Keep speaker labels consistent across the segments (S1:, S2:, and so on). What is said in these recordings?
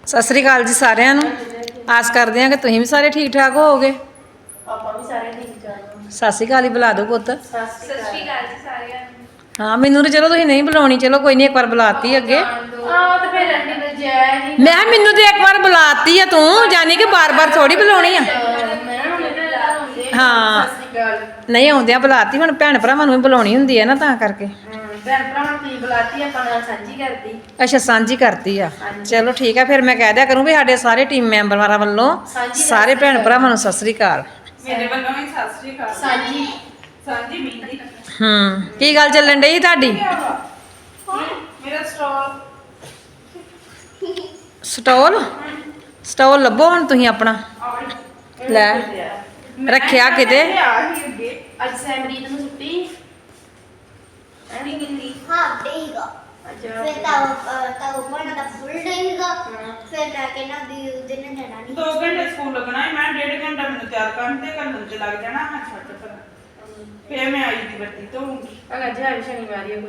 S1: ਸਤਿ ਸ੍ਰੀ ਅਕਾਲ ਜੀ ਸਾਰਿਆਂ ਨੂੰ। ਆਸ ਕਰਦੇ ਹਾਂ ਕਿ ਤੁਸੀਂ ਵੀ ਸਾਰੇ ਠੀਕ ਠਾਕ ਹੋਵੋਗੇ।
S2: ਆਪਾਂ ਵੀ ਸਾਰੇ ਠੀਕ ਠਾਕ ਹਾਂ।
S1: ਸਤਿ ਸ੍ਰੀ ਅਕਾਲ ਹੀ ਬੁਲਾ ਦਿਓ ਪੁੱਤ।
S2: ਸਤਿ ਸ਼੍ਰੀ ਅਕਾਲ ਜੀ ਸਾਰਿਆਂ ਨੂੰ।
S1: ਹਾਂ ਮੈਨੂੰ ਤਾਂ ਚਲੋ ਤੁਸੀਂ ਨਹੀਂ ਬੁਲਾਉਣੀ, ਚਲੋ ਕੋਈ ਨਹੀਂ, ਇੱਕ ਵਾਰ ਬੁਲਾਤੀ ਅੱਗੇ।
S2: ਤੇ ਫਿਰ ਅੰਡੀ ਨੇ ਜੈ ਨਹੀਂ
S1: ਮੈਂ ਮੈਨੂੰ ਤੇ ਇੱਕ ਵਾਰ ਬੁਲਾਤੀ ਆ ਤੂੰ, ਜਾਨੀ ਕਿ ਬਾਰ-ਬਾਰ ਥੋੜੀ ਬੁਲਾਉਣੀ ਆ। ਹਾਂ ਨਹੀਂ ਆਉਂਦਿਆਂ ਬੁਲਾਤੀ, ਹੁਣ ਭੈਣ ਭਰਾਵਾਂ ਨੂੰ ਵੀ ਬੁਲਾਉਣੀ ਹੁੰਦੀ ਹੈ ਨਾ, ਤਾਂ ਕਰਕੇ।
S2: ਭੈਣ ਭਰਾਵਾਂ ਨੂੰ ਤੁਸੀਂ ਬੁਲਾਤੀ, ਆਪਾਂ ਨਾਲ ਸਾਂਝੀ ਕਰਦੀ।
S1: ਅੱਛਾ ਸਾਂਝੀ ਕਰਤੀ ਆ, ਚਲੋ ਠੀਕ ਆ। ਫਿਰ ਮੈਂ ਕਹਿ ਦਿਆ ਕਰੂੰ ਵੀ ਸਾਡੇ ਸਾਰੇ ਟੀਮ ਮੈਂਬਰਾਂ ਵੱਲੋਂ ਸਾਰੇ ਭੈਣ ਭਰਾਵਾਂ ਨੂੰ ਸਤਿ ਸ੍ਰੀ ਅਕਾਲ।
S2: ਮੇਰੇ ਵੱਲੋਂ ਵੀ ਸਤਿ ਸ਼੍ਰੀ ਅਕਾਲ। ਸਾਂਝੀ ਸਾਂਝੀ ਮੀਂਦੀ।
S1: ਕੀ ਗੱਲ ਚੱਲਣ ਡਈ ਤੁਹਾਡੀ?
S2: ਮੇਰਾ
S1: ਸਟੋਲ ਲੱਭੋ ਹੁਣ ਤੁਸੀਂ ਆਪਣਾ। ਲੈ ਰੱਖਿਆ ਕਿਤੇ।
S2: ਅੱਜ ਸੈਮਰੀਤ ਨੂੰ ਛੁੱਟੀ ਐਨੀ ਗਿੰਦੀ।
S3: ਹਾਂ ਦੇਗਾ। ਫਿਰ ਤਾਂ ਬਣਾ ਦਾ ਫੁੱਲ ਦੇਗਾ। ਫਿਰ ਲੈ ਕੇ ਨਾ ਦੀ ਉਹਦੇ ਨੇ ਜਾਣਾ ਨਹੀਂ।
S4: 2 ਘੰਟੇ ਸਕੂਲ ਲੱਗਣਾ ਹੈ, ਮੈਂ 1.5 ਘੰਟਾ ਮੈਨੂੰ ਤਿਆਰ ਕਰਨ ਤੇ ਕਰਨ ਚ ਲੱਗ ਜਾਣਾ। ਮੈਂ ਛੱਡ ਪਰ ਫੇਰ ਮੈਂ ਆਈ ਦੀ ਬੱਤੀ ਤੋਂ
S2: ਅਗਰ ਜੇ ਅੱਜ ਸ਼ਨੀਵਾਰ ਹੀ ਕੋਈ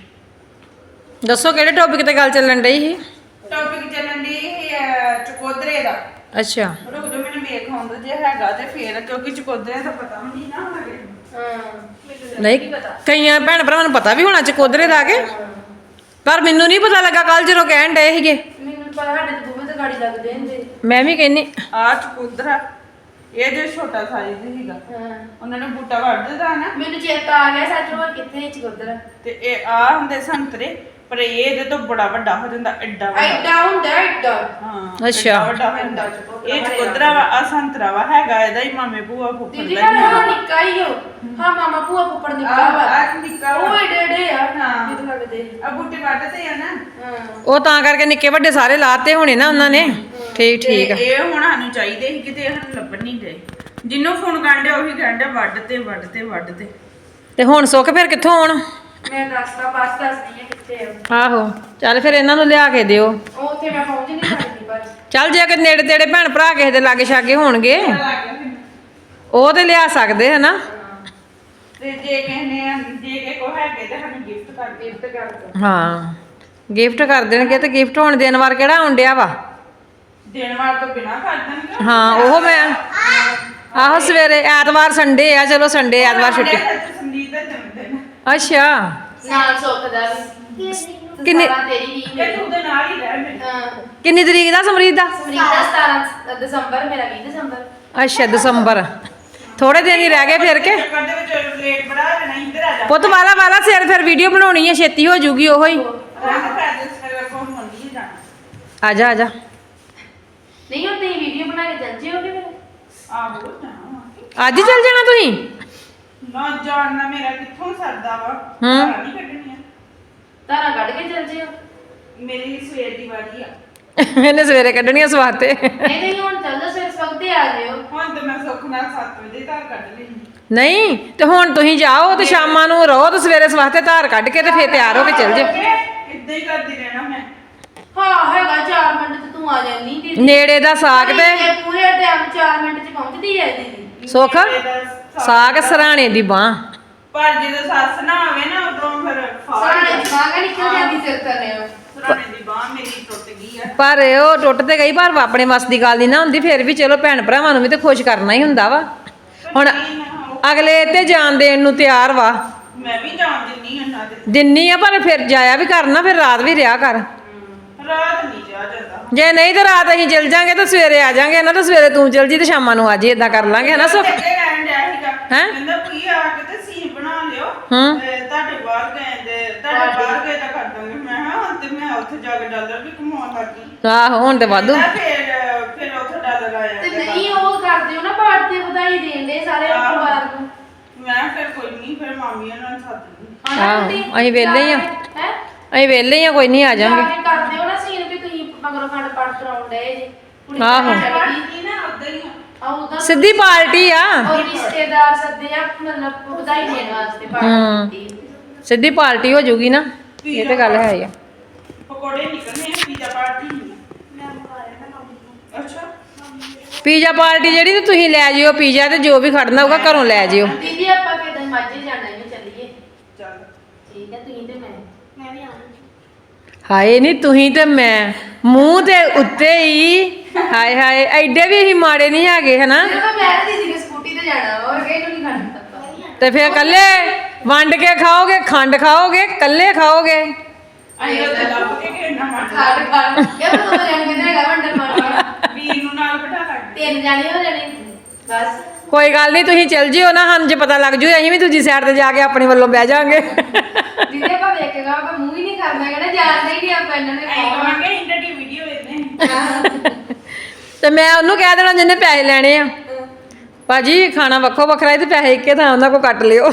S2: ਕੰਮ।
S1: ਦੱਸੋ ਕਿਹੜੇ ਟੌਪਿਕ ਤੇ ਗੱਲ ਚੱਲਣ ਡਈ ਸੀ?
S4: ਟੌਪਿਕ ਚੱਲਣ ਦੀ ਚਕੋਦਰੇ ਦਾ।
S1: ਅੱਛਾ
S4: ਰੁਕ ਜਾ ਮੈਨੂੰ ਵੇਖ ਆਉਂਦਾ ਜੇ ਹੈਗਾ ਤੇ ਫੇਰ, ਕਿਉਂਕਿ ਚਕੋਦਰੇ ਦਾ ਪਤਾ ਵੀ ਨਹੀਂ ਨਾ ਹਲੇ।
S1: ਨਹੀਂ ਕਈਆਂ ਭੈਣ ਭਰਾਵਾਂ ਨੂੰ ਪਤਾ ਵੀ ਹੋਣਾ ਚਕੋਦਰੇ ਦਾ ਕੇ, ਪਰ ਮੈਨੂੰ ਨਹੀਂ ਪਤਾ ਲੱਗਾ ਕੱਲ ਜਦੋਂ ਕਹਿਣ ਡਏ ਸੀਗੇ।
S2: ਮੈਨੂੰ ਪਤਾ ਸਾਡੇ ਤੇ ਬੂਹੇ ਤੇ ਗਾੜੀ ਲੱਗਦੇ ਹੁੰਦੇ।
S1: ਮੈਂ ਵੀ ਕਹਿੰਨੀ
S4: ਆ ਚਕੋਦਰਾ ਇਹ ਜੋ ਛੋਟਾ ਸਾਈਜ਼ ਸੀਗਾ, ਉਹਨਾਂ ਨੇ ਬੂਟਾ ਵੱਢ ਦਿੱਤਾ ਨਾ।
S2: ਮੈਨੂੰ ਚੇਤਾ ਆ ਗਿਆ ਸੱਚ, ਹੋਰ ਕਿੱਥੇ ਚਕੋਦਰ
S4: ਤੇ ਇਹ ਆ ਹੁੰਦੇ ਸੰਤਰੇ, ਪਰ ਇਹ ਇਹਦੇ ਤੋਂ ਬੜਾ ਵੱਡਾ ਹੋ ਜਾਂਦਾ, ਐਡਾ ਵੱਡਾ।
S2: ਐਡਾ ਹੁੰਦਾ ਐਡਾ।
S4: ਹਾਂ
S1: ਅੱਛਾ।
S4: ਐਡਾ ਵੱਡਾ ਹੁੰਦਾ। ਇਹ ਚਕੋਦਰਾ ਵਾ, ਆ ਸੰਤਰਾ ਵਾ, ਹੈਗਾ ਇਹਦਾ ਹੀ ਮਾਮੇ ਭੂਆ ਫੁੱਫੜ
S2: ਦੀਦੀ
S4: ਦਾ ਹੀ
S2: ਹਾਂ
S4: ਆ।
S2: ਨਿੱਕਾ ਹੀ ਹੋ। ਹਾਂ ਮਾਮਾ ਭੂਆ ਫੁੱਫੜ ਨਿੱਕਾ ਵਾ।
S4: ਆ ਨਿੱਕਾ ਵਾ।
S2: ਉਹ ਏਡੇ ਆ।
S4: ਹਾਂ।
S2: ਕਿਤੇ ਲੱਗਦੇ।
S4: ਆ ਬੂਟੇ ਵੱਢਦੇ ਆ ਨਾ।
S2: ਹਾਂ।
S1: ਉਹ ਤਾਂ ਕਰਕੇ ਨਿੱਕੇ ਵੱਡੇ ਸਾਰੇ ਲਾਤੇ ਹੋਣੇ ਨਾ ਉਹਨਾਂ ਨੇ। ਠੀਕ
S4: ਤੇ
S1: ਆ।
S4: ਇਹ ਹੁਣ ਸਾਨੂੰ ਚਾਹੀਦੇ ਸੀ, ਕਿਤੇ ਸਾਨੂੰ ਲੱਭਣ ਨਹੀਂ ਗਏ। ਜਿੰਨੂੰ ਫੋਨ ਕਰਨ ਡਿਆ ਉਹੀ ਕਹਿਣ ਡਿਆ ਵੱਢ ਤੇ।
S1: ਤੇ ਹੁਣ ਸੁੱਖ ਫਿਰ ਕਿੱਥੋਂ ਆਉਣ?
S2: ਮੈਂ ਦੱਸਦਾ ਬਸ ਦੱਸਦੀ ਆ ਕਿੱਥੇ ਆ।
S1: ਆਹੋ ਚੱਲ ਫਿਰ ਇਹਨਾਂ ਨੂੰ ਲਿਆ ਕੇ ਦਿਓ।
S2: ਉਹ ਉੱਥੇ ਮੈਂ ਪਹੁੰਚ ਨਹੀਂ ਸਕਦੀ ਪਰ।
S1: ਚੱਲ ਜੇ ਕਿ ਨੇੜੇ ਤੇੜੇ ਭੈਣ ਭਰਾ ਕਿਸੇ ਦੇ ਲਾਗੇ ਛਾਗੇ ਹੋਣਗੇ ਉਹ ਤੇ ਲਿਆ ਸਕਦੇ ਹੈ ਨਾ।
S4: ਤੇ ਜੇ ਕਿਸੇ ਕੋ ਹੈਗੇ ਤੇ ਸਾਨੂੰ ਗਿਫਟ ਕਰ ਦਿਓ।
S1: ਹਾਂ ਗਿਫਟ ਕਰ ਦੇਣਗੇ, ਤੇ ਗਿਫਟ ਹੁਣ ਦਿਨ ਵਾਰ ਕਿਹੜਾ ਆਉਣ ਡਿਆ ਵਾ?
S4: ਦੇਣ ਵਾਰ ਤੋਂ ਬਿਨਾ ਕਰ ਦੇਣਗੇ।
S1: ਹਾਂ ਉਹ ਮੈਂ ਆਹੋ ਸਵੇਰੇ ਐਤਵਾਰ ਸੰਡੇ ਆ, ਚਲੋ ਸੰਡੇ ਐਤਵਾਰ ਛੁੱਟੀ।
S4: ਸੰਦੀਪ ਦਾ ਜਨਮ ਦਿਨ।
S1: ਅੱਛਾ
S2: ਨਾਲ ਸੁੱਖ ਦਾ ਵੀ।
S1: ਕਿੰਨੀ
S2: ਤੇਰੀ ਵੀ
S4: ਤੇ ਤੂੰ ਦੇ ਨਾਲ ਹੀ ਰਹਿ ਮੇਰੇ।
S2: ਹਾਂ
S1: ਕਿੰਨੀ ਤਰੀਕ ਦਾ ਸਮਰੀਤ ਦਾ?
S2: ਸਮਰੀਤ ਦਾ 17 ਦਸੰਬਰ, ਮੇਰਾ 20 ਦਸੰਬਰ।
S1: ਅੱਛਾ ਦਸੰਬਰ, ਥੋੜੇ ਦਿਨ ਹੀ ਰਹਿ ਗਏ ਫਿਰ ਕੇ।
S4: ਚੱਕਰ ਦੇ ਵਿੱਚ ਲੇਟ ਬੜਾ ਲੈਣਾ, ਇੱਧਰ ਆ ਜਾ।
S1: ਪੁੱਤ ਵਾਲਾ ਸਿਰ ਫਿਰ ਵੀਡੀਓ ਬਣਾਉਣੀ ਹੈ, ਛੇਤੀ ਹੋ ਜੂਗੀ ਉਹੋ ਹੀ।
S4: ਰੰਗ ਪੈਦਲ ਸਵੇਰ ਕੋਲ ਹੁੰਦੀ ਜਾਣਾ।
S1: ਆ ਜਾ
S2: ਨਹੀਂ ਉਹ ਤੁਸੀਂ ਵੀਡੀਓ ਬਣਾ ਕੇ ਚੱਲ ਜਿਓਗੇ ਫਿਰ।
S4: ਆਹੋ ਜਾਣਾ।
S1: ਅੱਜ ਚੱਲ ਜਾਣਾ ਤੁਸੀਂ?
S4: ਨਾ ਜਾਣਨਾ ਮੇਰਾ ਕਿੱਥੋਂ ਸਰਦਾ ਵਾ।
S1: ਹੂੰ।
S4: ਧਾਰਾਂ ਨਹੀਂ ਕੱਢਣੀਆਂ।
S2: ਤਾਰਾ ਕੱਢ ਕੇ ਚੱਲ ਜਿਓ।
S4: ਮੇਰੀ ਸਵੇਰ ਦੀ ਵਾਰੀ ਆ।
S1: ਇਹਨੇ ਸਵੇਰੇ ਕੱਢਣੀਆਂ ਸਵਾਤੇ।
S2: ਨਹੀਂ ਹੁਣ ਚੱਲ ਜਾ, ਸਵੇਰ ਸਵਖਤੇ ਆ ਜਿਓ।
S4: ਹੁਣ ਤੇ ਮੈਂ ਸੁੱਖ ਨਾਲ 7 ਵਜੇ ਧਾਰ ਕੱਢ ਲਈ।
S1: ਨਹੀਂ ਤੇ ਹੁਣ ਤੁਸੀਂ ਜਾਓ ਤੇ ਸ਼ਾਮਾਂ ਨੂੰ ਰਹੋ, ਤੇ ਸਵੇਰੇ ਸਵਾਤੇ ਧਾਰ ਕੱਢ ਕੇ ਤੇ ਫੇਰ ਤਿਆਰ ਹੋ ਕੇ ਚੱਲ ਜਾਓ।
S4: ਇੱਦਾਂ ਹੀ ਕਰਦੀ ਰਹਿਣਾ ਮੈਂ।
S2: ਹਾਂ ਹੈਗਾ 4 ਮਿੰਟ ਤੇ ਤੂੰ ਆ ਜਾਨੀ ਦੀਦੀ।
S1: ਨੇੜੇ ਦਾ ਸਾਗ ਤੇ
S2: ਇਹ ਪੂਰੇ ਟਾਈਮ 4 ਮਿੰਟ ਚ ਪਹੁੰਚਦੀ ਹੈ ਦੀਦੀ।
S1: ਸੁੱਖ ਸਾਗ ਸਰਾਣੇ ਦੀ ਬਾਂਹ।
S4: ਪਰ ਜਦੋਂ ਸੱਸ ਨਾ ਆਵੇ ਨਾ ਉਦੋਂ ਫਿਰ
S2: ਸਾਣੇ ਦੀ ਬਾਂਹ ਨਿਕਲ ਜਾਂਦੀ ਸਿਰ ਥੱਲੇ।
S4: ਸਰਾਣੇ ਦੀ ਬਾਂਹ ਮੇਰੀ ਟੁੱਟ ਗਈ ਆ।
S1: ਪਰ ਉਹ ਟੁੱਟ ਤੇ ਗਈ, ਪਰ ਆਪਣੇ ਵੱਸ ਦੀ ਗੱਲ ਨਹੀਂ ਨਾ ਹੁੰਦੀ। ਫਿਰ ਵੀ ਚਲੋ ਭੈਣ ਭਰਾਵਾਂ ਨੂੰ ਵੀ ਤੇ ਖੁਸ਼ ਕਰਨਾ ਹੀ ਹੁੰਦਾ ਵਾ। ਹੁਣ ਅਗਲੇ ਤੇ ਜਾਣ ਦੇਣ ਨੂੰ ਤਿਆਰ ਵਾ।
S4: ਮੈਂ ਵੀ ਜਾਣ ਦਿੰਨੀ ਉਹਨਾਂ ਦੇ।
S1: ਦਿੰਨੀ ਆ, ਪਰ ਫਿਰ ਜਾਇਆ ਵੀ ਕਰਨਾ, ਫਿਰ ਰਾਤ ਵੀ ਰਿਹਾ ਕਰ।
S4: ਰਾਤ ਨਹੀਂ ਜਾ ਜਾਂਦਾ।
S1: ਜੇ ਨਹੀਂ ਤੇ ਰਾਤ ਅਸੀਂ ਚੱਲ ਜਾਾਂਗੇ ਤੇ ਸਵੇਰੇ ਆ ਜਾਾਂਗੇ ਨਾ, ਤੇ ਸਵੇਰੇ ਤੂੰ ਚੱਲ ਜੀ ਤੇ ਸ਼ਾਮਾਂ ਨੂੰ ਆ ਜੀ, ਏਦਾਂ ਕਰ ਲਾਂਗੇ ਹਨਾ ਸੁੱਖ?
S4: ਅੱਗੇ ਕਹਿਣ ਡਿਆ ਸੀਗਾ।
S1: ਹੈਂ?
S4: ਕਹਿੰਦਾ ਵੀ ਆ ਕੇ ਤੇ ਸੀਨ ਬਣਾ ਲਿਓ।
S1: ਹੂੰ।
S4: ਤੁਹਾਡੇ ਬਾਹਰ ਗਏ ਤਾਂ ਕਰ ਦਾਂਗੇ। ਮੈਂ ਕਿਹਾ ਹੁਣ ਤੇ ਮੈਂ ਉੱਥੇ ਜਾ ਕੇ ਡਾਲਰ ਵੀ ਕਮਾਉਣ ਲੱਗੀ।
S1: ਆਹੋ ਹੁਣ ਤੇ ਵਾਧੂ।
S4: ਫਿਰ ਉੱਥੇ ਡਾਲਰ ਆਇਆ।
S2: ਤੇ ਨਹੀਂ ਉਹ ਕਰਦੇ ਹੋ ਨਾ, ਪਾਰਟ ਤੇ ਵਧਾਈ ਦੇਣ ਦੇ ਸਾਰੇ ਪਰਿਵਾਰ ਨੂੰ।
S4: ਮੈਂ ਫਿਰ ਕੋਈ ਨਹੀਂ, ਫਿਰ ਮਾਮੀਆਂ ਨਾਲ ਸੱਦ ਲਈ।
S1: ਆਹੋ, ਅਸੀਂ ਵਿਹਲੇ ਹੀ ਆ।
S2: ਹੈ
S1: ਅਸੀਂ ਵਿਹਲੇ ਹੀ ਆ, ਕੋਈ ਨਹੀਂ ਆ ਜਾਾਂਗੇ।
S2: ਕਰਦੇ ਹੋ ਨਾ ਸੀਨ ਵੀ ਤੁਸੀਂ ਮਗਰੋਂ ਖੰਡ ਪਾਠ ਕਰਾਉਣ ਡਏ ਜੇ। ਕੁੜੀ
S1: ਆਹੋ।
S4: ਕੀ ਨਾ ਉਦਾਂ ਹੀ ਆ।
S2: ਉਹਦਾ
S1: ਸਿੱਧੀ ਪਾਰਟੀ ਆ।
S2: ਉਹ ਰਿਸ਼ਤੇਦਾਰ ਸੱਦੇ ਆ, ਮਤਲਬ ਵਧਾਈ ਦੇਣ ਵਾਸਤੇ ਪਾਰਟੀ ਕੀਤੀ।
S1: ਸਿੱਧੀ ਪਾਰਟੀ ਹੋ ਜੂਗੀ ਨਾ, ਇਹ ਤੇ ਗੱਲ ਹੈ ਹੀ ਆ।
S4: ਪਕੌੜੇ ਨਿਕਲਨੇ ਆ, ਪੀਜ਼ਾ ਪਾਰਟੀ ਨਹੀਂ। ਅੱਛਾ
S1: ਪੀਜ਼ਾ ਪਾਰਟੀ ਜਿਹੜੀ ਤੇ ਤੁਸੀਂ ਲੈ ਜਿਓ ਪੀਜ਼ਾ, ਤੇ ਜੋ ਵੀ ਖੜਨਾ ਹੋਊਗਾ ਘਰੋਂ ਲੈ ਜਿਓ।
S2: ਦੀਦੀ ਆਪਾਂ ਕਿਦਾਂ ਮਾਝੇ ਜਾਣਾ ਹੈ, ਚੱਲੀਏ।
S4: ਚੱਲ
S2: ਠੀਕ ਹੈ ਤੁਸੀਂ ਤੇ ਮੈਂ
S3: ਮੈਂ ਵੀ ਆਉਂਗੀ।
S1: ਹਾਏ ਨਹੀਂ ਤੁਸੀਂ ਤੇ ਮੈਂ ਮੂੰਹ ਤੇ ਉੱਤੇ ਹੀ ਹਾਏ ਹਾਏ ਐਡੇ ਵੀ ਅਸੀਂ ਮਾੜੇ ਨਹੀਂ ਹੈਗੇ ਹਨਾ
S2: ਜਦੋਂ ਮੈਂ ਦੀਦੀ ਨੇ ਸਕੂਟੀ ਤੇ ਜਾਣਾ ਹੋਰ ਕਿਹਨੂੰ ਨਹੀਂ ਖਾਣਾ ਪਤਾ
S1: ਤੇ ਫਿਰ ਕੱਲੇ ਵੰਡ ਕੇ ਖਾਓਗੇ ਖੰਡ ਖਾਓਗੇ ਕੱਲੇ ਖਾਓਗੇ
S4: ਅਸੀਂ ਉੱਥੇ ਲੱਭ ਕੇ ਕਿੰਨਾ ਮੰਨ
S2: ਖਾੜ ਖਾੜ ਇਹ ਤਾਂ ਦੋ ਜਣ ਕਿਤੇ ਹੈਗਾ ਵੰਡਰ ਮਾਰਨਾ
S4: ਵੀਰ ਨੂੰ ਨਾਲ ਬਿਠਾ ਲਾਂਗੇ
S2: 3 ਜਾਣੇ ਹੋ ਜਾਣੇ ਬਸ
S1: ਕੋਈ ਗੱਲ ਨਹੀਂ ਤੁਸੀਂ ਚੱਲ ਜਿਓ ਨਾ ਸਾਨੂੰ ਜੇ ਪਤਾ ਲੱਗ ਜੂ ਅਸੀਂ ਵੀ ਦੂਜੀ ਸਾਈਡ ਤੇ ਜਾ ਕੇ ਆਪਣੇ ਵੱਲੋਂ ਬਹਿ ਜਾਾਂਗੇ
S2: ਜਿਹਦੇ ਆਪਾਂ ਵੇਖੇਗਾ ਆਪਾਂ ਮੂੰਹ ਹੀ ਨਹੀਂ ਕਰਨਾ ਕਹਿੰਦਾ ਜਾਣਦੇ ਹੀ ਨਹੀਂ ਆਪਾਂ ਇਹਨਾਂ ਨੇ
S4: ਅਸੀਂ ਕਹਾਂਗੇ ਇੰਟਰ ਦੀ ਵੀਡੀਓ ਵੇਖਦੇ
S1: ਤੇ ਮੈਂ ਉਹਨੂੰ ਕਹਿ ਦੇਣਾ ਜਿਹਨੇ ਪੈਸੇ ਲੈਣੇ ਆ ਭਾਜੀ ਖਾਣਾ ਵੱਖੋ ਵੱਖਰਾ ਹੈ ਤੇ ਪੈਸੇ ਇੱਕੇ ਥਾਂ ਉਹਨਾਂ ਕੋ ਕੱਟ ਲਿਓ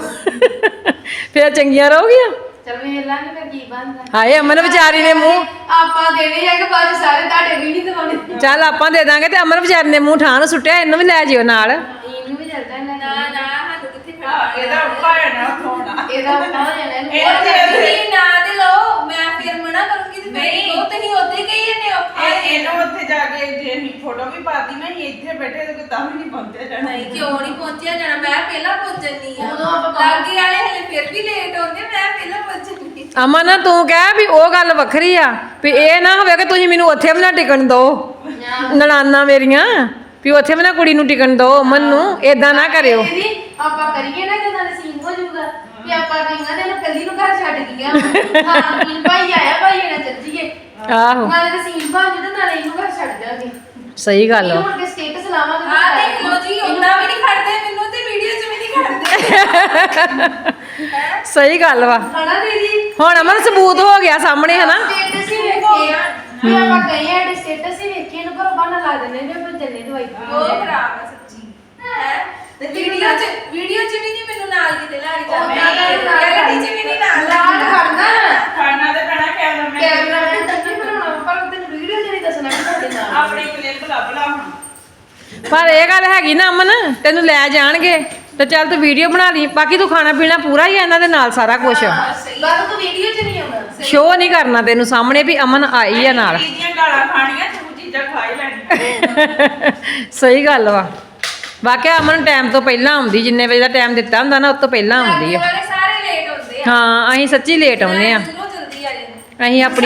S1: ਫਿਰ ਚੰਗੀਆਂ ਰਹੋਗੀਆਂ
S2: ਚਲ ਵੇਖ ਲਾਂਗੇ ਫਿਰ ਕੀ ਬਣਦਾ
S1: ਹਾਏ ਅਮਨ ਵਿਚਾਰੀ ਨੇ ਮੂੰਹ
S2: ਆਪਾਂ ਦੇਣੇ ਆ ਕਿ ਬਾਅਦ 'ਚ ਸਾਰੇ ਤੁਹਾਡੇ ਵੀ ਨਹੀਂ ਦਿਵਾਉਣੇ
S1: ਚੱਲ ਆਪਾਂ ਦੇ ਦਾਂਗੇ ਤੇ ਅਮਨ ਵਿਚਾਰੀ ਨੇ ਮੂੰਹ ਠਾਂ ਨੂੰ ਸੁੱਟਿਆ ਇਹਨੂੰ ਵੀ ਲੈ ਜਿਓ ਨਾਲ
S2: ਇਹਨੂੰ ਵੀ ਚੱਲਦਾ ਨਾ ਨਾ ਸਾਨੂੰ ਕਿੱਥੇ
S4: ਇਹਦਾ ਉੱਪਾ ਹੈ ਨਾ ਥੋੜਾ
S2: ਇਹਦਾ ਉੱਪਾ ਹੋ ਜਾਣਾ ਇਹਨੂੰ
S4: ਇਹ ਤੇ-
S2: ਤੁਸੀਂ ਨਾ ਤੇ ਲਓ ਮੈਂ ਫਿਰ ਮਨਾ ਕਰੂੰਗੀ ਤੇ ਫਿਰ ਉਹ ਤੇ ਨਹੀਂ ਉੱਥੇ ਕਹੀ ਜਾਂਦੇ ਔਖਾ
S4: ਇਹਨੂੰ ਉੱਥੇ ਜਾ ਕੇ ਜੇ ਅਸੀਂ ਫੋਟੋ ਵੀ ਪਾਤੀ ਨਾ ਅਸੀਂ ਇੱਥੇ ਬੈਠੇ ਤੇ ਤਾਂ ਵੀ ਨਹੀਂ ਪਹੁੰਚਿਆ ਜਾਣਾ
S2: ਨਹੀਂ ਕਿਉਂ ਨਹੀਂ ਪਹੁੰਚਿਆ ਜਾਣਾ ਮੈਂ ਪਹਿਲਾਂ ਪਹੁੰਚਣੀ ਆ ਉਦੋਂ ਆਪਾਂ ਲਾਗੇ ਵਾਲੇ ਹਲੇ ਫਿਰ ਵੀ ਲੇਟ ਹੁੰਦੇ ਮੈਂ ਪਹਿਲਾਂ ਪਹੁੰਚਣੀ
S1: ਅਮਨ ਤੂੰ ਕਹਿ ਵੀ ਉਹ ਗੱਲ ਵੱਖਰੀ ਆ ਵੀ ਇਹ ਨਾ ਹੋਵੇ ਕਿ ਤੁਸੀਂ ਮੈਨੂੰ ਉੱਥੇ ਵੀ ਨਾ ਟਿਕਣ ਦਿਓ ਨਣਾਨਾ ਮੇਰੀਆਂ ਵੀ ਉੱਥੇ ਵੀ ਨਾ ਕੁੜੀ ਨੂੰ ਟਿਕਣ ਦਿਓ ਅਮਨ ਨੂੰ ਏਦਾਂ ਨਾ ਕਰਿਓ
S2: ਦੀਦੀ ਆਪਾਂ ਕਰੀਏ ਨਾ ਕਿ ਨਾਲੇ ਸੀਨ ਹੋ ਜਾਊਗਾ ਵੀ ਆਪਾਂ ਕਹੀਆਂ ਤੇ ਇਹਨੂੰ ਕੱਲੀ ਨੂੰ ਘਰ ਛੱਡ ਗਈਆਂ ਹਾਂ ਮੀਨ ਭਾਈ ਆਇਆ ਭਾਈ ਨਾਲ ਚੱਲ ਜੀਏ
S1: ਆਹੋ
S2: ਨਾਲੇ ਤੇ ਸੀਨ ਬਣ ਜੂ ਤੇ ਨਾਲੇ ਇਹਨੂੰ ਘਰ ਛੱਡ ਜਾਗੇ
S1: ਸਹੀ ਗੱਲ ਵਾ
S2: ਹੁਣ ਕੇ ਸਟੇਟਸ ਲਾਵਾਂਗੇ ਹਾਂ ਦੇਖ ਲੋ ਜੀ ਉਹਨਾਂ ਵੀ ਨਹੀਂ ਖੜਦੇ ਮੈਨੂੰ ਤੇ ਵੀਡੀਓ 'ਚ ਵੀ ਨਹੀਂ ਖੜਦੇ
S1: ਸਹੀ ਗੱਲ ਵਾ
S2: ਹਣਾ ਦੀਦੀ
S1: ਹੁਣ ਅਮਨ ਸਬੂਤ ਹੋ ਗਿਆ ਸਾਹਮਣੇ ਹਨਾ
S2: ਸਟੇਟਸ ਹੀ ਵੇਖੇ ਆ ਵੀ ਆਪਾਂ ਕਹੇ ਆ ਸਟੇਟਸ ਹੀ ਵੇਖੇ ਇਹਨੂੰ ਘਰੋਂ ਬਾਹਰ ਲਾ ਦਿੰਦੇ ਨੇ ਆਪਾਂ ਚੱਲੇ ਦਵਾਈ ਉਹ ਖਰਾਬ ਆ ਸੱਚੀ ਹੈ ਤੇ ਵੀਡੀਓ 'ਚ ਵੀ ਨਹੀਂ ਮੈਨੂੰ ਨਾਲ ਕਿਤੇ ਲੈ ਕੇ ਜਾਂਦੇ ਰਿਐਲਿਟੀ 'ਚ ਵੀ ਨਹੀਂ ਨਾਲ ਖੜਨਾ
S4: ਖਾਣਾ ਤੇ ਪੈਣਾ ਕੈਮਰਾਮੈਨ
S2: ਕੈਮਰਾ ਤੇ ਤੱਕ ਬਣਾਉਣਾ ਪਰ ਤੈਨੂੰ ਵੀਡੀਓ 'ਚ ਨਹੀਂ ਦੱਸਣਾ ਕਿ ਤੁਹਾਡੇ ਨਾਲ
S4: ਆਪਣੀ ਕਲਿੱਪ ਲੱਭ ਲਾ ਹੁਣ
S1: ਪਰ ਇਹ ਗੱਲ ਹੈਗੀ ਨਾ ਅਮਨ ਤੈਨੂੰ ਲੈ ਜਾਣਗੇ ਤੇ ਚੱਲ ਤੂੰ ਵੀਡੀਓ ਬਣਾ ਲਈ ਬਾਕੀ ਤੂੰ ਖਾਣਾ ਪੀਣਾ ਪੂਰਾ ਹੀ ਆ ਇਹਨਾਂ ਦੇ ਨਾਲ ਸਾਰਾ ਕੁਝ
S2: ਬਾਅਦ ਤੂੰ ਵੀਡੀਓ 'ਚ ਨਹੀਂ ਆਉਣਾ
S1: ਸ਼ੋਅ ਨਹੀਂ ਕਰਨਾ ਤੈਨੂੰ ਸਾਹਮਣੇ ਵੀ ਅਮਨ ਆਈ ਆ ਨਾਲ
S4: ਇਹਦੀਆਂ ਗਾਲਾਂ ਖਾਣੀਆਂ ਤੂੰ ਚੀਜ਼ਾਂ ਖਾ ਹੀ ਲੈਣੀਆਂ
S1: ਸਹੀ ਗੱਲ ਵਾ ਵਾਕਿਆ ਅਮਨ ਟਾਈਮ ਤੋਂ ਪਹਿਲਾਂ ਆਉਂਦੀ ਜਿੰਨੇ ਵਜੇ ਦਾ ਟਾਈਮ ਦਿੱਤਾ ਹੁੰਦਾ ਨਾ ਉਸ ਤੋਂ ਪਹਿਲਾਂ ਆਉਂਦੀ ਆ
S2: ਸਾਰੇ ਲੇਟ ਹੁੰਦੇ ਆ
S1: ਹਾਂ ਅਸੀਂ ਸੱਚੀ ਲੇਟ ਆਉਂਦੇ ਆ
S2: ਜਲਦੀ ਆ ਜਾਂਦੇ
S1: ਅਸੀਂ ਆਪਣੀ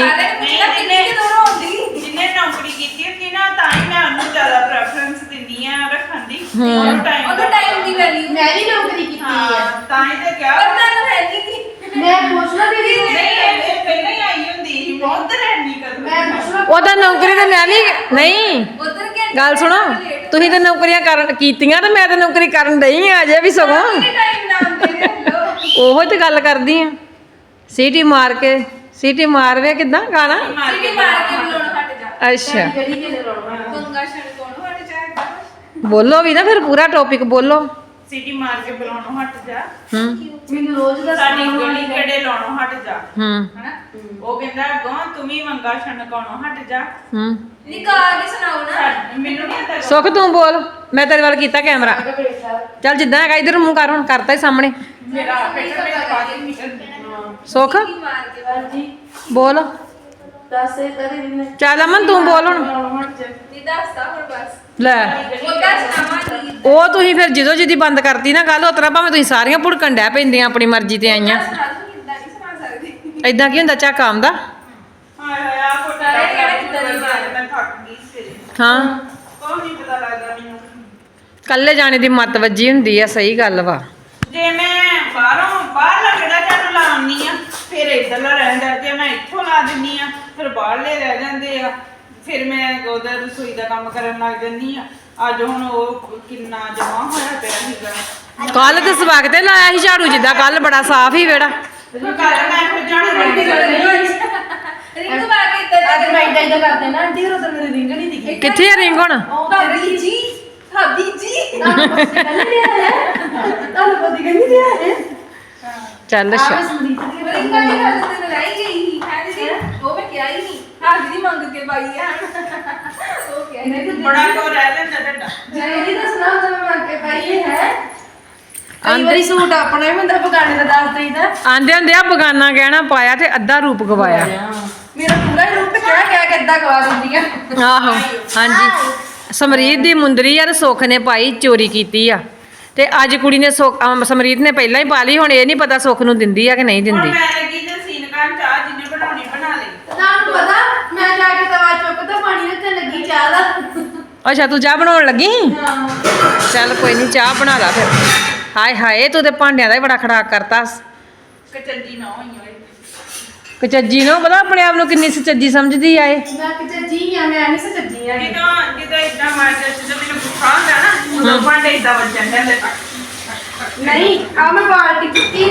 S4: ਜਿਹਨੇ ਨੌਕਰੀ ਕੀਤੀ ਹੁੰਦੀ ਨਾ ਤਾਂ ਹੀ ਮੈਂ ਉਹਨੂੰ ਜ਼ਿਆਦਾ ਪ੍ਰੈਫਰੈਂਸ ਦਿੰਦੀ ਆ ਰੱਖਣ ਦੀ ਉਹਨੂੰ ਟਾਈਮ
S2: ਦੀ ਵੈਲਿਊ ਮੈਂ ਵੀ ਨੌਕਰੀ ਕੀਤੀ ਆ
S4: ਤਾਂ ਹੀ ਤੇ ਕਿਹਾ
S2: ਪਰ ਤੁਹਾਨੂੰ ਹੈ ਨਹੀਂ ਕਿ ਮੈਂ ਪੁੱਛਣਾ ਦੀਦੀ
S4: ਨਹੀਂ ਇਹ ਪਹਿਲਾਂ ਹੀ ਆਈ ਹੁੰਦੀ ਸੀ ਬਹੁਤ ਰਹਿਣੀ ਕਰ
S2: ਮੈਂ ਪੁੱਛਣਾ
S1: ਉਹਦਾ ਨੌਕਰੀ ਤੇ ਮੈਂ ਵੀ ਨਹੀਂ
S2: ਉਧਰ ਕੇ
S1: ਗੱਲ ਸੁਣੋ ਤੁਸੀਂ ਤਾਂ ਨੌਕਰੀਆਂ ਕਰਨ ਕੀਤੀਆਂ ਤੇ ਮੈਂ ਤਾਂ ਨੌਕਰੀ ਕਰਨ ਡਈ ਆ ਅਜੇ ਵੀ ਸਗੋਂ
S2: ਟਾਈਮ ਨਾਮ ਦੇ ਦੇ ਲੋ
S1: ਉਹੋ ਤੇ ਗੱਲ ਕਰਦੀ ਆ ਸੀਟੀ ਮਾਰ ਵੇ ਕਿਦਾਂ ਗਾਣਾ
S2: ਸਿੱਧੀ ਮਾਰ ਕੇ ਬੁਲਾਉਣ ਹਟ ਜਾ
S1: ਅੱਛਾ
S2: ਗੜੀ ਕੇ ਲਾਉਣਾ ਪੰਗਾ ਛੜ ਕੋਣ ਹਟ ਜਾ
S1: ਬੋਲੋ ਵੀ ਨਾ ਫਿਰ ਪੂਰਾ ਟੌਪਿਕ ਬੋਲੋ
S4: ਸਿਟੀ ਮਾਰ ਕੇ ਬੁਲਾਉਣੋਂ ਹਟ ਜਾ
S1: ਹੂੰ
S2: ਮੈਨੂੰ ਰੋਜ਼ ਦਾ
S4: ਸਾਡੀ ਗਲੀ ਕਿਹੜੇ ਲਾਉਣੋਂ ਹਟ ਜਾ
S1: ਹੂੰ
S4: ਹਨਾ ਉਹ ਕਹਿੰਦਾ ਗਾਂ ਤੂੰ ਵੀ ਮੰਗਾ ਛਣਕਾਉਣੋਂ ਹਟ ਜਾ
S1: ਹੂੰ
S2: ਨਿਕਾਲ ਕੇ ਸੁਣਾਓ ਨਾ
S4: ਮੈਨੂੰ ਨਹੀਂ ਆਤਾ
S1: ਸੁਖ ਤੂੰ ਬੋਲ ਮੈਂ ਤੇਰੇ ਵੱਲ ਕੀਤਾ ਕੈਮਰਾ ਚੱਲ ਜਿੱਦਾਂ ਹੈਗਾ ਇਧਰ ਮੂੰਹ ਕਰ ਹੁਣ ਕਰਤਾ ਹੀ ਸਾਹਮਣੇ
S4: ਮੇਰਾ ਪੇਟ ਵਿੱਚ ਬਾਜੀ ਨਿਕਲ
S1: ਸੁਖ
S2: ਮਾਰ ਕੇ ਬਾਜੀ
S1: ਬੋਲ
S2: ਦੱਸ ਇਹ ਤੇਰੀ ਦਿਨ
S1: ਚੱਲ ਅਮਨ ਤੂੰ ਬੋਲ ਹੁਣ
S2: ਦੀ ਦੱਸਦਾ ਹੁਣ ਬਸ
S1: ਲੈ
S2: ਉਹ ਦੱਸਣਾ
S1: ਉਹ ਤੁਸੀਂ ਫਿਰ ਜਦੋਂ ਜਿੱਦੀ ਬੰਦ ਕਰਤੀ ਨਾ ਗੱਲ ਉਤਰਾ ਭਾਵੇਂ ਤੁਸੀਂ ਸਾਰੀਆਂ ਭੁੜਕਣ ਡੈ ਪੈਂਦੀਆਂ ਆਪਣੀ ਮਰਜ਼ੀ ਤੇ ਆਈਆਂ
S2: ਕਿੱਦਾਂ ਨਹੀਂ ਸੁਣਾ ਸਕਦੀ
S1: ਐਦਾਂ ਕੀ ਹੁੰਦਾ ਝੱਕ ਆਉਂਦਾ
S4: ਹਾਏ ਹਾਏ ਆ ਫੋਟੋ
S2: ਕਿਹੜਾ ਕਿੱਦਾਂ ਦੀ ਮਾਰ
S4: ਮੈਂ ਥੱਕ ਗਈ ਸਵੇਰੇ
S1: ਹਾਂ
S4: ਕੋਈ ਨਹੀਂ ਪਤਾ ਲੱਗਦਾ ਮੈਨੂੰ
S1: ਕੱਲੇ ਜਾਣੇ ਦੀ ਮੱਤ ਵੱਜੀ ਹੁੰਦੀ ਆ ਸਹੀ ਗੱਲ ਵਾ
S4: ਜੇ ਮੈਂ ਬਾਹਰ ਲੱਗਦਾ ਚੱਲ ਲਾਉਣੀ ਆ ਫਿਰ ਇੱਧਰਲਾ ਰਹਿੰਦਾ ਜੇ ਮੈਂ ਇੱਥੋਂ ਲਾ ਦਿੰਨੀ ਆ ਫਿਰ ਬਾਹਰਲੇ ਰਹਿ ਜਾਂਦੇ ਆ ਫਿਰ ਮੈਂ ਉਹਦਾ ਰਸੋਈ ਦਾ ਕੰਮ ਕਰਨ ਲੱਗ ਜਾਂਦੀ ਆ ਅੱਜ ਹੁਣ ਉਹ ਕਿੰਨਾ ਜਮਾ ਹੋਇਆ ਪਿਆ ਸੀਗਾ
S1: ਕੱਲ ਤੇ ਸਵਾਗ ਤੇ ਲਾਇਆ ਸੀ ਝਾੜੂ ਜਿੱਦਾਂ ਕੱਲ ਬੜਾ ਸਾਫ਼ ਹੀ ਵਿਹੜਾ
S4: ਕੱਲ ਮੈਂ ਫਿਰ ਜਾਣਾ
S2: ਰਿੰਗ ਪਾ ਕੇ ਇੱਦਾਂ ਅੱਜ ਮੈਂ ਇੱਦਾਂ ਕਰਦੇ ਨਾ ਆਂਟੀ ਹੋਰ ਮੇਰੇ ਰਿੰਗ ਨਹੀਂ ਦਿਖੇ
S1: ਕਿੱਥੇ ਆ ਰਿੰਗ ਹੁਣ
S2: ਭਾਬੀ ਜੀ ਤੁਹਾਨੂੰ ਪਤਾ ਕਹਿੰਦੀ ਰਿਹਾ ਹੈ
S1: ਚੱਲ ਅੱਛਾ
S2: ਰਿੰਗ ਵਾਲੀ ਗੱਲ ਤੇ ਲੜਾਈ ਗਈ ਸੀ ਹੈ ਦੀਦੀ ਉਹ ਮੈਂ ਕਿਹਾ ਹੀ ਨਹੀਂ ਹਾਂ ਦੀਦੀ ਮੰਗ ਕੇ ਪਾਈ ਆ ਉਹ ਕਿਹਾ ਨਹੀਂ
S4: ਬੜਾ ਕੋ ਰਹਿ ਜਾਂਦਾ ਡੱਡਾ
S2: ਜੀ ਦੱਸਣਾ ਤਾਂ ਮੈਂ ਮੰਗ ਕੇ ਪਾਈ ਹੈ ਕਈ ਵਾਰੀ ਸੂਟ ਆਪਣਾ ਹੀ ਹੁੰਦਾ ਬਗਾਨੇ ਦਾ ਦੱਸ ਦਈਦਾ
S1: ਆਂਦੇ ਹੁੰਦੇ ਆ ਬਗਾਨਾ ਗਹਿਣਾ ਪਾਇਆ ਤੇ ਅੱਧਾ ਰੂਪ ਗਵਾਇਆ
S2: ਮੇਰਾ ਪੂਰਾ ਹੀ ਰੂਪ ਕਹਿ ਕਹਿ ਕੇ ਏਦਾਂ ਗਵਾ ਦਿੰਦੀ ਆ
S1: ਆਹੋ ਹਾਂਜੀ ਸਮਰੀਤ ਦੀ ਮੁੰਦਰੀ ਆ ਤੇ ਸੁੱਖ ਨੇ ਪਾਈ ਚੋਰੀ ਕੀਤੀ ਆ ਤੇ ਅੱਜ ਕੁੜੀ ਨੇ ਸਮਰੀਤ ਨੇ ਪਹਿਲਾਂ ਹੀ ਪਾ ਲਈ ਹੁਣ ਇਹ ਨਹੀਂ ਪਤਾ ਸੁੱਖ ਨੂੰ ਦਿੰਦੀ ਆ ਕਿ ਨਹੀਂ
S4: ਹੁਣ
S1: ਦਿੰਦੀ
S4: ਮੈਂ ਲੱਗੀ ਤੇ ਸੀਨ ਕਰਨ ਚਾਹ ਜਿੰਨੇ ਬਣਾਉਣੀ ਬਣਾ ਲਈ
S2: ਤੁਹਾਨੂੰ ਪਤਾ ਮੈਂ ਜਾ ਕੇ ਤਵਾ ਚੁੱਕ ਤਾਂ ਪਾਣੀ ਰੱਖਣ ਲੱਗੀ ਚਾਹ ਦਾ
S1: ਅੱਛਾ ਤੂੰ ਚਾਹ ਬਣਾਉਣ ਲੱਗੀ ਚੱਲ ਕੋਈ ਨਹੀਂ ਚਾਹ ਬਣਾ ਲਾ ਫਿਰ ਹਾਏ ਹਾਏ ਤੂੰ ਤੇ ਭਾਂਡਿਆਂ ਦਾ ਹੀ ਬੜਾ ਖੜਾਕ ਕਰਤਾ
S4: ਕਚੰਜੀ ਨਾ ਹੋਈ ਹੋਏ
S1: ਕਚੱਜੀ ਨੂੰ ਪਤਾ ਆਪਣੇ ਆਪ ਨੂੰ ਕਿੰਨੀ ਸੱਚੀ ਸਮਝਦੀ ਆ ਇਹ
S2: ਮੈਂ ਕਿਚੱਜੀ ਆ ਮੈਂ ਨਹੀਂ ਸੱਚੀ ਆ
S4: ਜਦੋਂ ਇਦਾਂ ਮਾਰਦਾ ਜਦੋਂ ਮੈਨੂੰ ਗੁੱਸਾ ਹੁੰਦਾ ਨਾ ਉਦੋਂ ਭਾਂਡੇ ਇਦਾਂ ਵੱਜਣ ਜਾਂਦੇ
S2: ਨਹੀਂ ਆ ਮੈਂ ਬਾਲਟੀ ਕੀਤੀ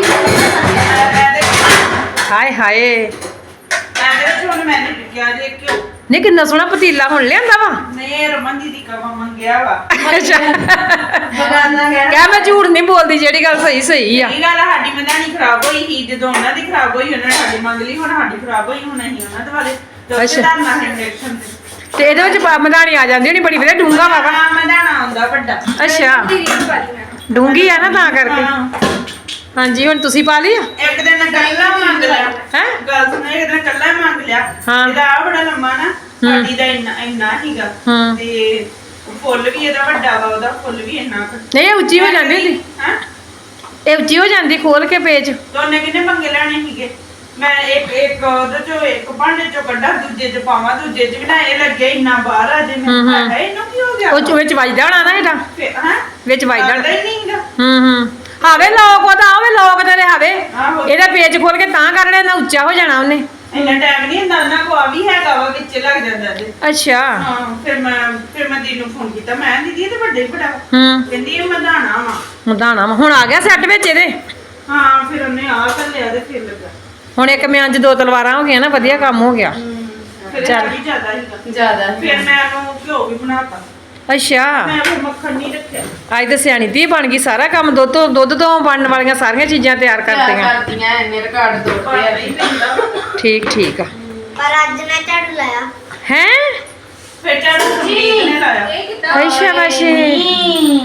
S1: ਹਾਏ ਹਾਏ
S4: ਐਵੇਂ ਹੁਣ ਮੈਨੇ ਕਿਹਾ ਜੇ ਕਿਉਂ
S1: ਨਹੀਂ ਕਿੰਨਾ ਸੋਹਣਾ ਪਤੀਲਾ ਹੁਣ ਲਿਆਂਦਾ ਵਾ
S4: ਨਹੀਂ ਰਮਨ ਦੀ ਕਵਾ ਮੰਗਿਆ ਵਾ
S1: ਅੱਛਾ
S2: ਬਗਾਨਾ ਕਹਿਣਾ
S1: ਕਹਿ ਮੈਂ ਝੂਠ ਨਹੀਂ ਬੋਲਦੀ ਜਿਹੜੀ ਗੱਲ ਸਹੀ ਸਹੀ ਆ
S4: ਇਹ ਗੱਲ ਸਾਡੀ ਮਧਾਣੀ ਖਰਾਬ ਹੋਈ ਸੀ ਜਦੋਂ ਉਹਨਾਂ ਦੀ ਖਰਾਬ ਹੋਈ ਉਹਨਾਂ ਨੇ ਸਾਡੀ ਮੰਗ ਲਈ ਹੁਣ ਸਾਡੀ ਖਰਾਬ ਹੋਈ ਹੁਣ ਅਸੀਂ ਉਹਨਾਂ ਦੇ ਵਾਲੇ
S1: ਅੱਛਾ।
S4: ਧਰਨਾ ਹੈ ਇੰਜੈਕਸ਼ਨ
S1: ਤੇ ਇਹਦੇ ਵਿੱਚ ਮਧਾਣੀ ਆ ਜਾਂਦੀ ਹੋਣੀ ਬੜੀ ਵਧੀਆ ਡੂੰਗਾ ਵਾ
S4: ਮਧਾਣਾ ਆਉਂਦਾ ਵੱਡਾ
S1: ਅੱਛਾ ਡੂੰਗੀ ਆ ਨਾ ਤਾਂ ਕਰਕੇ
S4: ਹਾਂ।
S1: ਹਾਂਜੀ ਹੁਣ ਤੁਸੀਂ ਪਾ ਲਈ ਆ
S4: ਇੱਕ ਦਿਨ ਕੱਲਾ ਮੰਗ ਲਿਆ
S1: ਹੈਂ?
S4: ਗੱਲ ਸੁਣ ਇੱਕ ਦਿਨ ਕੱਲਾ ਮੰਗ ਲਿਆ
S1: ਹਾਂ।
S4: ਇਹਦਾ ਆ ਬੜਾ ਲੰਮਾ ਨਾ ਸਾਡੀ ਦਾ ਇੰਨਾ ਹੀਗਾ
S1: ਹਾਂ।
S4: ਤੇ ਫੁੱਲ ਵੀ ਇਹਦਾ ਵੱਡਾ ਵਾ ਉਹਦਾ ਫੁੱਲ ਵੀ ਇੰਨਾ ਕੁ
S1: ਨਹੀਂ ਇਹ ਉੱਚੀ ਹੋ ਜਾਂਦੀ ਹੁੰਦੀ
S4: ਹਾਂ
S1: ਇਹ ਉੱਚੀ ਹੋ ਜਾਂਦੀ ਖੋਲ ਕੇ ਪੇਚ
S4: ਦੋਨੇ ਕਿੰਨੇ ਪੰਗੇ ਲੈਣੇ ਸੀਗੇ ਮੈਂ ਇੱਕ ਉਹਦੇ ਚੋਂ ਇੱਕ ਭਾਂਡੇ ਚੋਂ ਕੱਢਾ ਦੂਜੇ ਚ ਪਾਵਾਂ ਦੂਜੇ ਚ ਵੀ ਨਾ ਇਹ ਲੱਗੇ ਇੰਨਾ ਬਾਹਰ ਆ ਜੇ ਮੈਂ ਕਿਹਾ ਇਹਨੂੰ ਕੀ ਹੋ ਗਿਆ
S1: ਉਹ ਚ ਵਿੱਚ ਵੱਜਦਾ ਹੋਣਾ ਨਾ ਇਹਦਾ
S4: ਹਾਂ
S1: ਵਿੱਚ ਵੱਜਦਾ
S4: ਲੱਗਦਾ ਹੀ ਨਹੀਂਗਾ
S1: ਹੂੰ ਹਾਵੇ ਲੋਕ ਉਹਦਾ ਆਵੇ ਲੋਕ ਤੇਰੇ ਹਾਵੇ
S4: ਆਹੋ।
S1: ਇਹਦਾ ਪੇਚ ਖੋਲ ਕੇ ਤਾਂ ਕਰਨੇ ਨਾ ਉੱਚਾ ਹੋ ਜਾਣਾ ਉਹਨੇ
S4: ਇੰਨਾ ਟਾਈਮ ਨਹੀਂ ਹੁੰਦਾ ਉਹਨਾਂ ਕੋ ਆ ਵੀ ਹੈਗਾ ਵਾ ਵਿੱਚ ਲੱਗ ਜਾਂਦਾ ਤੇ
S1: ਅੱਛਾ
S4: ਹਾਂ ਫਿਰ ਮੈਂ ਦੀਦੀ ਨੂੰ ਫੋਨ ਕੀਤਾ ਮੈਂ ਦੀਦੀ ਇਹ ਤੇ ਵੱਡੇ ਬੜਾ
S1: ਹੂੰ
S4: ਕਹਿੰਦੀ ਇਹ ਮਧਾਣਾ ਵਾ
S1: ਮਧਾਣਾ ਵਾ। ਹੁਣ ਆ ਗਿਆ ਸੈੱਟ ਵਿੱਚ ਇਹਦੇ
S4: ਹਾਂ ਫਿਰ ਉਹਨੇ ਆ ਲਿਆ ਤੇ ਫਿਰ ਲੱਗਾ
S1: ਹੁਣ ਇੱਕ ਮਿਆਨ ਚ 2 ਤਲਵਾਰਾਂ ਹੋ ਗਈਆਂ ਨਾ ਵਧੀਆ ਕੰਮ ਹੋ ਗਿਆ
S4: ਫਿਰ
S1: ਚੱਲ।
S4: ਵੀ ਜ਼ਿਆਦਾ ਹੀਗਾ
S2: ਜ਼ਿਆਦਾ
S4: ਫਿਰ ਮੈਂ ਉਹਨੂੰ ਘਿਓ ਵੀ ਬਣਾਤਾ
S1: ਅੱਛਾ
S4: ਮੈਂ ਫਿਰ ਮੱਖਣ ਨਹੀਂ ਰੱਖਿਆ
S1: ਅੱਜ ਤਾਂ ਸਿਆਣੀ ਧੀ ਬਣ ਗਈ ਸਾਰਾ ਕੰਮ ਦੁੱਧ ਤੋਂ ਬਣਨ ਵਾਲੀਆਂ ਸਾਰੀਆਂ ਚੀਜ਼ਾਂ ਤਿਆਰ ਕਰਤੀਆਂ
S2: ਕਰਦੀਆਂ ਐਨੇ ਰਿਕਾਰਡ
S4: ਪਰ
S2: ਤੋੜਦੇ ਆ
S4: ਨਹੀਂ ਪੈਂਦਾ ਵਾ।
S1: ਠੀਕ ਆ
S3: ਪਰ ਅੱਜ ਮੈਂ ਝਾੜੂ ਲਾਇਆ
S1: ਹੈ
S4: ਫਿਰ ਝਾੜੂ ਸੰਦੀਪ ਨੇ ਲਾਇਆ
S2: ਇਹ ਕਿੱਦਾਂ
S1: ਅੱਛਾ ਵਾਸ਼ੇ